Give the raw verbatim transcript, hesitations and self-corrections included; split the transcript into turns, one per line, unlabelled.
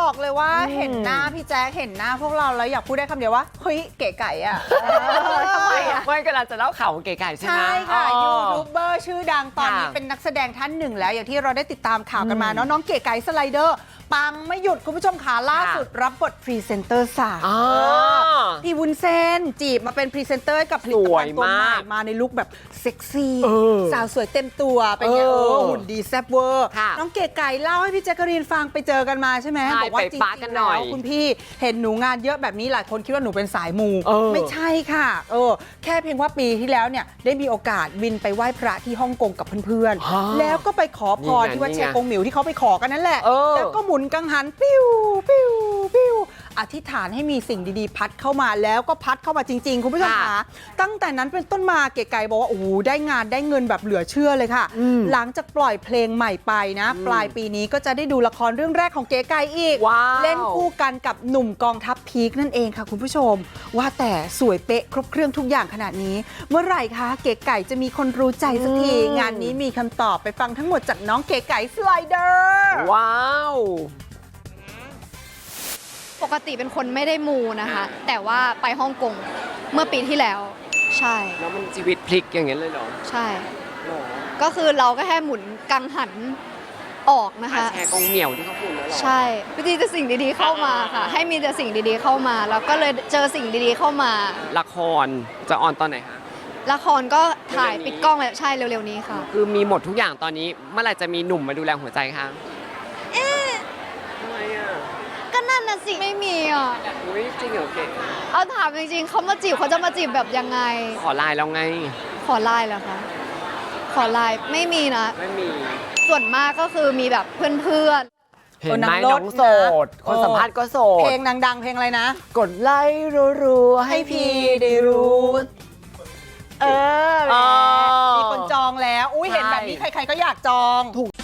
บอกเลยว่าเห็นหน้าพี่แจ๊คเห็นหน้าพวกเราแล้วอยากพูดได้คำเดียวว่าเฮ้ยเก๋ไก่อะทำไมอะ
ไม่กำลังจะเล่าข่าวของเก๋ไก่ใช่ไหม
ใช่ค่ะ
อ๋อ
ยูทูบเบอร์ชื่อดังตอนนี้
ค่ะ
เป็นนักแสดงท่านหนึ่งแล้ว อย่างที่เราได้ติดตามข่าวกันมาเนาะน้องเก๋ไก่สไลเดอร์ปังไม่หยุดคุณผู้ชมขาล่าสุดรับบทพรีเซนเตอร์สาว
อ๋อ
พี่วุ้นเส้นจีบมาเป็นพรีเซนเตอร์กับผลิตภัณฑ์ตัวใหม่มาในลุคแบบเซ็กซี่
เออ
สาวสวยเต็มตัวเป็นไง
เอ
เอ
อ
อหุ่นดีแซ่บเวอร์
ค่ะ
น้องเก๋ไก่เล่าให้พี่แจ๊กกะรีนฟังไปเจอกันมาใช่ไหม
ใช่
บอกว่า
ไป
จริง
ปะกัน
ๆ
หน่
แล้
อยว
คุณพี่เห็นหนูงานเยอะแบบนี้หลายคนคิดว่าหนูเป็นสายมู
เออ
ไม่ใช่ค่ะเออแค่เพียงว่าปีที่แล้วเนี่ยได้มีโอกาสบินไปไหว้พระที่ฮ่องกงกับเพื่อน
ฮะ
ๆแล้วก็ไปขอพร
นี่ไง
ที่วัด
นี่
เช
ไง
กงหมิวที่เขาไปขอกันนั่นแหละ
เออ
แล้วก็หมุนกังหันปิ้วปิ้วปิ้วอธิษฐานให้มีสิ่งดีๆ พัดเข้ามาแล้วก็พัดเข้ามาจริงๆ คุณผู้ชม
ค่ะ
คะตั้งแต่นั้นเป็นต้นมาเก๋ไก่บอกว่าโอ้โหได้งานได้เงินแบบเหลือเชื่อเลยค่ะ
อืม
หลังจากปล่อยเพลงใหม่ไปนะ
อืม
ปลายปีนี้ก็จะได้ดูละครเรื่องแรกของเก๋ไก่อีก
ว้าว
เล่นคู่กันกับหนุ่มกองทัพพีคนั่นเองค่ะคุณผู้ชม ว่าแต่สวยเป๊ะครบเครื่องทุกอย่างขนาดนี้ เมื่อไหร่คะเก๋ไก่จะมีคนรู้ใจสักที
อืม
งานนี้มีคำตอบไปฟังทั้งหมดจากน้องเก๋ไก่สไลเดอร์
ว้าว
ปกติเป็นคนไม่ได้มูนะคะ แต่ว่าไปฮ่องกงเมื่อปีที่แล้ว ใช่
แล้วมันชีวิตพลิกอย่างเงี้ยเลยเหรอ
ใช่
หรอ
ก็คือเราก็แค่หมุนกังหันออกนะ
อา
คะ
แชร์กงเหนียวที่เขาพูดแล้วเหรอ
ใช่วิธีจะสิ่งดีๆเข้ามาค่ะ ให้มีแต่สิ่งดีๆเข้ามา แล้วก็เลยเจอสิ่งดีๆเข้ามา
ละครจะออนตอนไหนคะ
ละครก็ถ่าย
เร็วๆนี้
ปิดกล้องแล้วใช่เร็วๆนี้ค่ะ
คือมีหมดทุกอย่างตอนนี้เมื่อไหร่จะมีหนุ่มมาดูแลหัวใจคะทำไมอ่ะ
ก็นั่นน่ะสิไม่มีอ่ะ
อุ้ยจริงเหรอเก๋
เอาถามจริงๆเขามาจีบเขาจะมาจีบแบบยังไง
ขอไลน์แล้วไง
ขอไลน์เหรอคะขอไลน์ไม่มีนะ
ไม่มี
ส่วนมากก็คือมีแบบเพื่อนๆ
เห็นไหม
เออนางร
น้
ถ
องโสด
นะ
คนสัมภาษณ์ก็โส
เพ
ด
ลงดังๆเพลงอะไรนะ
กดไลค์รัวๆให้พี่ได้รู้
เออแหม
อ๋อ
มีคนจองแล้ว อุ้ยเห็นแบบนี้
ใช่
ใครๆก็อยากจอง
ถูก